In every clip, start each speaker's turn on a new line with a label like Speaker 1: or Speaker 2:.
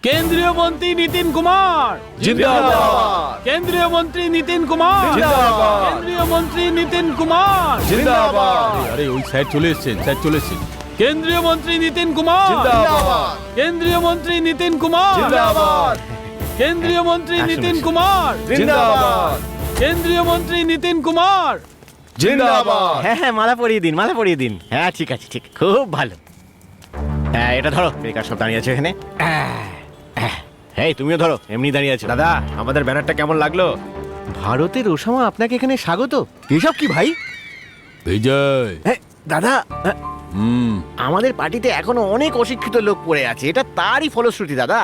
Speaker 1: কেন্দ্রীয় মন্ত্রী নীতিন কুমার
Speaker 2: জিন্দাবাদ।
Speaker 1: কেন্দ্রীয় মন্ত্রী নীতিন কুমার
Speaker 2: জিন্দাবাদ।
Speaker 1: কেন্দ্রীয় মন্ত্রী নীতিন কুমার
Speaker 2: জিন্দাবাদ।
Speaker 1: আরে ওই স্যার চলে এসেছেন, স্যার চলে এসেছেন। কেন্দ্রীয় মন্ত্রী নীতিন কুমার
Speaker 2: জিন্দাবাদ।
Speaker 1: কেন্দ্রীয় মন্ত্রী নীতিন কুমার
Speaker 2: জিন্দাবাদ।
Speaker 1: কেন্দ্রীয় মন্ত্রী নীতিন কুমার
Speaker 2: জিন্দাবাদ।
Speaker 1: কেন্দ্রীয় মন্ত্রী নীতিন কুমার
Speaker 2: জিন্দাবাদ।
Speaker 3: হ্যাঁ হ্যাঁ, মালা পরিয়ে দিন, মালা পরিয়ে দিন। হ্যাঁ ঠিক আছে, ঠিক, খুব ভালো। হ্যাঁ এটা ধরো, বেকার সব দাঁড়িয়ে আছে এখানে। হ্যাঁ তুমিও ধরো, এমনি দাঁড়িয়ে আছো।
Speaker 2: দাদা, আমাদের ব্যানারটা কেমন লাগলো?
Speaker 3: ভারতের ওসামা আপনাকে এখানে স্বাগত। এসব কি ভাই?
Speaker 1: বিজয়
Speaker 3: হ্যাঁ দাদা,
Speaker 1: হুম
Speaker 3: আমাদের পার্টিতে এখনো অনেক অশিক্ষিত লোক পড়ে আছে, এটা তারই ফলশ্রুতি দাদা।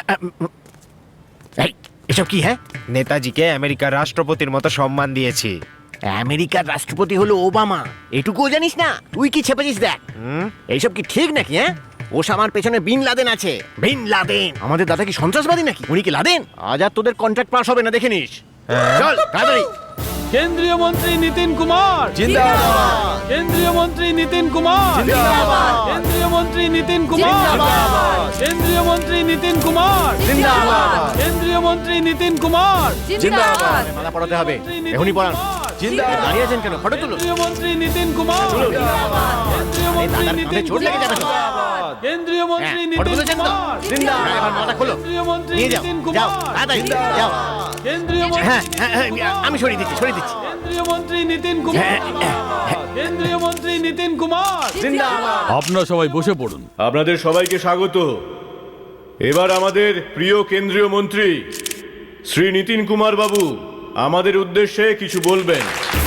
Speaker 3: এই, এসব কি? হ্যাঁ,
Speaker 2: নেতাজিকে আমেরিকার রাষ্ট্রপতির মতো সম্মান দিয়েছি।
Speaker 3: আমেরিকার রাষ্ট্রপতি হলো ওবামা, এটুকুও জানিস না? তুই কি ছেপেছিস দেখ। এইসব কি ঠিক নাকি? হ্যাঁ, ওসামার পেছনে বিন লাদেন আছে। বিন লাদেন আমাদের দাদা কি সন্ত্রাসবাদী নাকি? উনি কি লাদেন? আজ আর তোদের কন্ট্রাক্ট পাস হবে না, দেখে নিস। চল তাড়াতাড়ি।
Speaker 1: কেন্দ্রীয় মন্ত্রী নীতিন কুমার
Speaker 2: জিন্দাবাদ।
Speaker 1: কেন্দ্রীয় মন্ত্রী নীতিন কুমার
Speaker 2: জিন্দাবাদ।
Speaker 1: কেন্দ্রীয় মন্ত্রী নীতিন কুমার
Speaker 2: জিন্দাবাদ।
Speaker 1: কেন্দ্রীয় মন্ত্রী নীতিন কুমার
Speaker 2: জিন্দাবাদ।
Speaker 1: কেন্দ্রীয় মন্ত্রী নীতিন কুমার
Speaker 2: জিন্দাবাদ।
Speaker 3: মালা পড়াতে হবে, এখনই পড়ান।
Speaker 2: জিন্দাবাদ।
Speaker 3: দাঁড়িয়ে আছেন কেন? ফটো তুলুন।
Speaker 1: কেন্দ্রীয় মন্ত্রী নীতিন কুমার কেন্দ্রীয় মন্ত্রী
Speaker 3: দাদার
Speaker 1: নীতিন
Speaker 3: কাঁধে চোট লেগে যাবে তো।
Speaker 1: কুমার কেন্দ্রীয় মন্ত্রী
Speaker 3: হ্যাঁ, ফটো
Speaker 1: নীতিন
Speaker 3: তুলেছেন তো?
Speaker 1: কুমার
Speaker 3: হ্যাঁ, এবার মালাটা খোলো।
Speaker 1: কেন্দ্রীয় মন্ত্রী
Speaker 3: নিয়ে যাও,
Speaker 1: নীতিন
Speaker 3: যাও,
Speaker 1: কুমার
Speaker 3: তাড়াতাড়ি যাও।
Speaker 1: কেন্দ্রীয় মন্ত্রী
Speaker 3: হ্যাঁ
Speaker 1: নীতিন
Speaker 3: হ্যাঁ হ্যাঁ,
Speaker 1: কুমার।
Speaker 3: আমি সরিয়ে দিচ্ছি, সরিয়ে দিচ্ছি।
Speaker 1: কেন্দ্রীয় মন্ত্রী নীতিন কুমার কেন্দ্রীয় মন্ত্রী নীতিন কুমার
Speaker 2: জিন্দাবাদ।
Speaker 1: আপনারা সবাই বসে পড়ুন।
Speaker 4: আপনাদের সবাইকে স্বাগত। এবার আমাদের প্রিয় কেন্দ্রীয় মন্ত্রী শ্রী নীতিন কুমার বাবু আমাদের উদ্দেশ্যে কিছু বলবেন।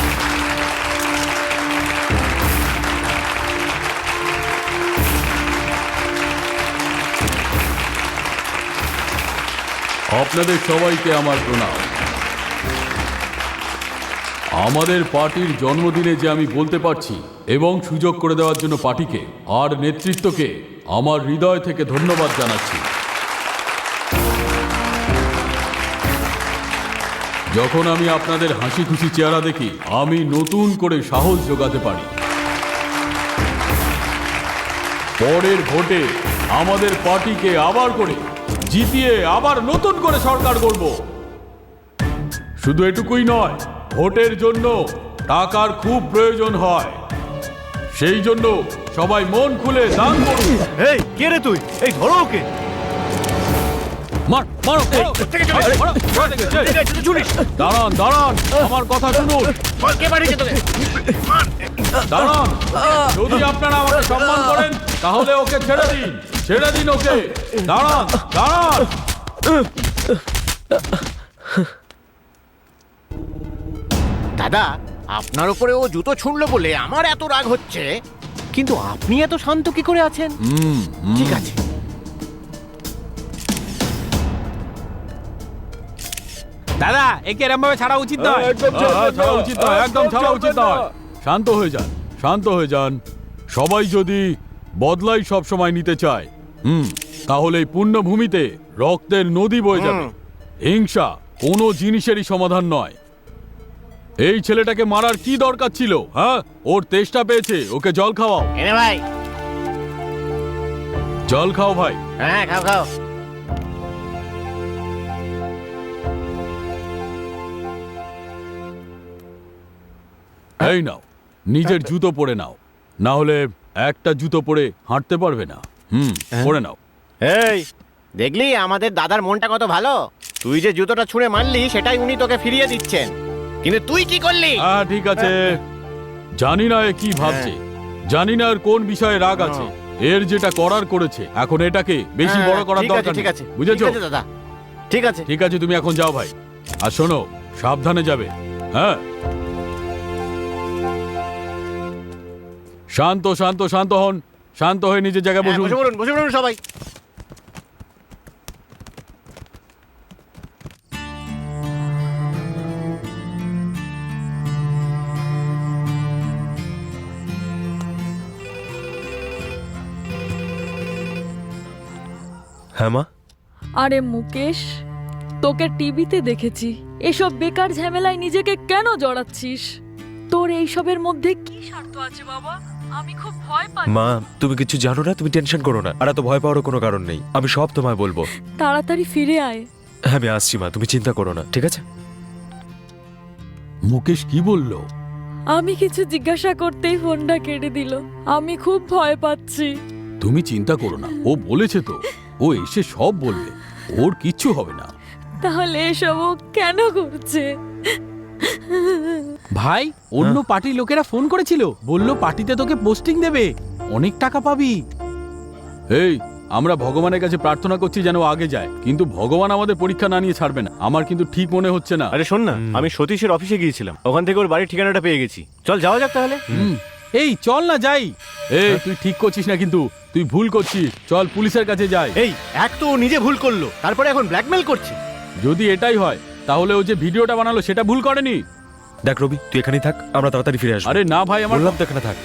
Speaker 1: আপনাদের সবাইকে আমার প্রণাম। আমাদের পার্টির জন্মদিনে যে আমি বলতে পারছি এবং সুযোগ করে দেওয়ার জন্য পার্টিকে আর নেতৃত্বকে আমার হৃদয় থেকে ধন্যবাদ জানাচ্ছি। যখন আমি আপনাদের হাসি খুশি চেহারা দেখি, আমি নতুন করে সাহস জোগাতে পারি। পরের ভোটে আমাদের পার্টিকে আবার করে জিতিয়ে আবার নতুন করে সরকার করব। শুধু এটুকুই নয়, ভোটের জন্য টাকার খুব প্রয়োজন হয়। সেই জন্য সবাই মন খুলে দান করুন।
Speaker 2: এই কে রে তুই? এই ধরো ওকে।
Speaker 1: দাঁড়ান দাঁড়ান, আমার কথা শুনুন।
Speaker 3: কে পাঠিয়েছে তোকে?
Speaker 1: দাঁড়ান, যদি আপনারা আমাকে সম্মান করেন তাহলে ওকে ছেড়ে দিন, ছেড়ে দিন ওকে। দাঁড়ান দাঁড়ান।
Speaker 3: দাদা, আপনার উপরে ও জুতো ছুঁড়লো বলে আমার এত রাগ হচ্ছে, কিন্তু আপনি এত শান্ত কি করে আছেন? ঠিক আছে,
Speaker 1: দাদা, একে এরকম ভাবে ছাড়া উচিত নয়। ছাড়া উচিত নয়, একদম ছাড়া উচিত নয়। শান্ত হয়ে যান, শান্ত হয়ে যান। সবাই যদি বদলাই সব সময় নিতে চায়, তাহলে এই পুণ্যভূমিতে রক্তের নদী বয়ে যাবে। হিংসা কোনো জিনিসেরই সমাধান নয়। এই ছেলেটাকে মারার কি দরকার ছিল? হ্যাঁ, ওর তেষ্টা পেয়েছে, ওকে জল খাওয়াও।
Speaker 3: এনে ভাই।
Speaker 1: জল খাও ভাই।
Speaker 3: হ্যাঁ খাও খাও।
Speaker 1: এই নাও, নিজের জুতো পরে নাও, না হলে একটা জুতো পরে হাঁটতে পারবে না। পরে নাও।
Speaker 3: এই দেখলি আমাদের দাদার মনটা কত ভালো। তুই যে জুতোটা ছুঁড়ে মারলি সেটাই উনি তোকে ফিরিয়ে দিচ্ছেন, কিন্তু তুই কি করলি?
Speaker 1: হ্যাঁ ঠিক আছে, জানি না এ কি ভাবছে, জানি না এর কোন বিষয়ে রাগ আছে। এর যেটা করার করেছে, এখন এটাকে বেশি বড় করার
Speaker 3: ঠিক আছে,
Speaker 1: দরকার
Speaker 3: ঠিক
Speaker 1: নেই।
Speaker 3: আছে,
Speaker 1: বুঝেছো?
Speaker 3: ঠিক আছে দাদা, ঠিক আছে।
Speaker 1: ঠিক আছে, তুমি এখন যাও ভাই। আর শোনো, সাবধানে যাবে। হ্যাঁ, শান্ত শান্ত শান্ত হন, শান্ত হয়ে নিজের জায়গায়
Speaker 3: হ্যাঁ,
Speaker 1: বসুন।
Speaker 3: বসে পড়ুন, বসে পড়ুন সবাই।
Speaker 2: হ্যাঁ মা।
Speaker 5: আরে মুকেশ, তোকে টিভিতে দেখেছি, এসব বেকার ঝামেলায় নিজেকে কেন জড়াচ্ছিস? তোর এইসবের মধ্যে কি স্বার্থ আছে বাবা? আমি খুব ভয় পাচ্ছি।
Speaker 2: মা তুমি কিছু জানো না, তুমি টেনশন করো না, আর এত ভয় পাওয়ার কোনো কারণ নেই। আমি সব তোমায় বলবো।
Speaker 5: তাড়াতাড়ি ফিরে আয়।
Speaker 2: হ্যাঁ আমি আসছি মা, তুমি চিন্তা করো না, ঠিক আছে?
Speaker 1: মুকেশ কি বললো?
Speaker 5: আমি কিছু জিজ্ঞাসা করতেই ফোনটা কেটে দিল। আমি খুব ভয় পাচ্ছি।
Speaker 1: তুমি চিন্তা করো না, ও বলেছে তো, ও এসে সব বলবে, ওর কিচ্ছু হবে না।
Speaker 5: তাহলে এসব ও কেন করছে?
Speaker 1: ভাই, অন্য পার্টির লোকেরা ফোন করেছিল, বলল পার্টিতে তোকে পোস্টিং দেবে, অনেক টাকা পাবি। এই, আমরা ভগবানের কাছে প্রার্থনা করছি যেন ও আগে যায়, কিন্তু ভগবান আমাদের পরীক্ষা না নিয়ে ছাড়বে না। আমার কিন্তু ঠিক মনে হচ্ছে না।
Speaker 4: আরে শোন না, আমি সতীশের অফিসে গিয়েছিলাম, ওখান থেকে ওর বাড়ির ঠিকানাটা পেয়ে গেছি। চল যাওয়া যাক তাহলে।
Speaker 1: এই চল না যাই। এই তুই ঠিক করছিস না, কিন্তু তুই ভুল করছিস। চল পুলিশের কাছে যাই।
Speaker 3: এই এক তো ও নিজে ভুল করলো, তারপরে এখন ব্ল্যাকমেল করছে।
Speaker 1: যদি এটাই হয় তাহলে ও যে ভিডিওটা বানালো সেটা ভুল করেনি।
Speaker 2: দেখ রবি, তুই এখানেই থাক, আমরা তাড়াতাড়ি ফিরে আসবো।
Speaker 1: আরে না ভাই, আমার
Speaker 2: বললাম তো এখানে থাক।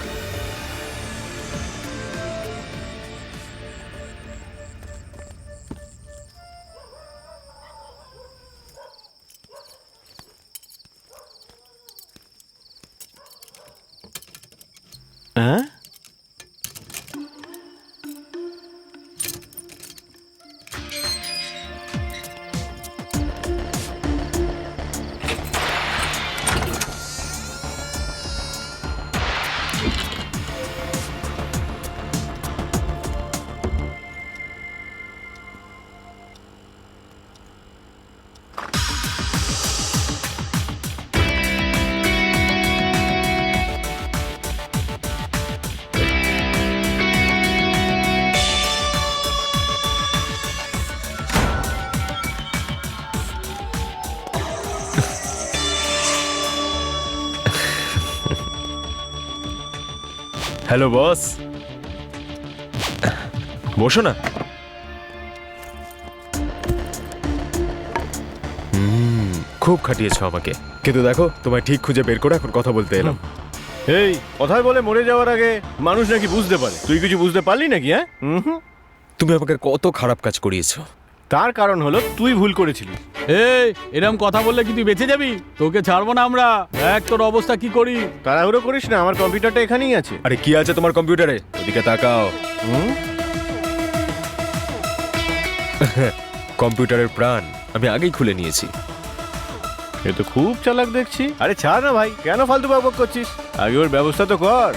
Speaker 4: হ্যাঁ,
Speaker 2: হ্যালো বস, বসো না। খুব খাটিয়েছো আমাকে, কিন্তু দেখো তোমায় ঠিক খুঁজে বের করে এখন কথা বলতে এলাম।
Speaker 4: এই কথায় বলে মরে যাওয়ার আগে মানুষ নাকি বুঝতে পারে, তুই কিছু বুঝতে পারলি নাকি? হ্যাঁ,
Speaker 2: তুমি আমাকে কত খারাপ কাজ করিয়েছো।
Speaker 4: তার কারণ হলো তুই ভুল করেছিলিস।
Speaker 1: এই এরকম কথা বললে কি তুই বেঁচে যাবি? তোকে ছাড়বো না আমরা। দেখ তোর অবস্থা কি করি।
Speaker 4: তাড়াহুড়ো করিস না, আমার কম্পিউটারটা এখানেই আছে।
Speaker 2: আরে কি আছে তোমার কম্পিউটারে? ওদিকে তাকাও।
Speaker 4: হুম?
Speaker 2: কম্পিউটারের প্রাণ আমি আগেই খুলে নিয়েছি।
Speaker 4: এ তো খুব চালাক দেখছি। আরে ছাড় না ভাই, কেন ফালতু বকবক করছিস? আগে ওর ব্যবস্থা তো কর।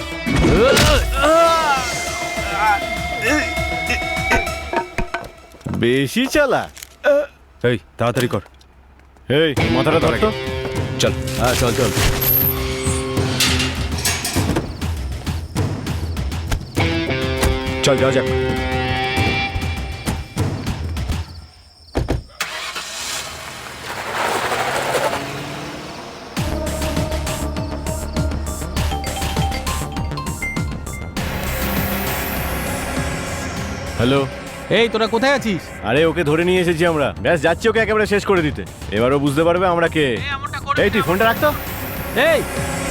Speaker 4: বেশি চালা।
Speaker 2: এই তাড়াতাড়ি কর।
Speaker 4: এই মাথাটা ধর তো।
Speaker 2: চল।
Speaker 1: হ্যাঁ চল চল।
Speaker 2: চল যাওয়া যাক।
Speaker 4: হ্যালো।
Speaker 1: এই তোরা কোথায় আছিস?
Speaker 4: আরে ওকে ধরে নিয়ে এসেছি আমরা, ব্যাস যাচ্ছি ওকে একেবারে শেষ করে দিতে। এবারও বুঝতে পারবে আমরা কে। এই তুই ফোনটা রাখতো।
Speaker 1: এই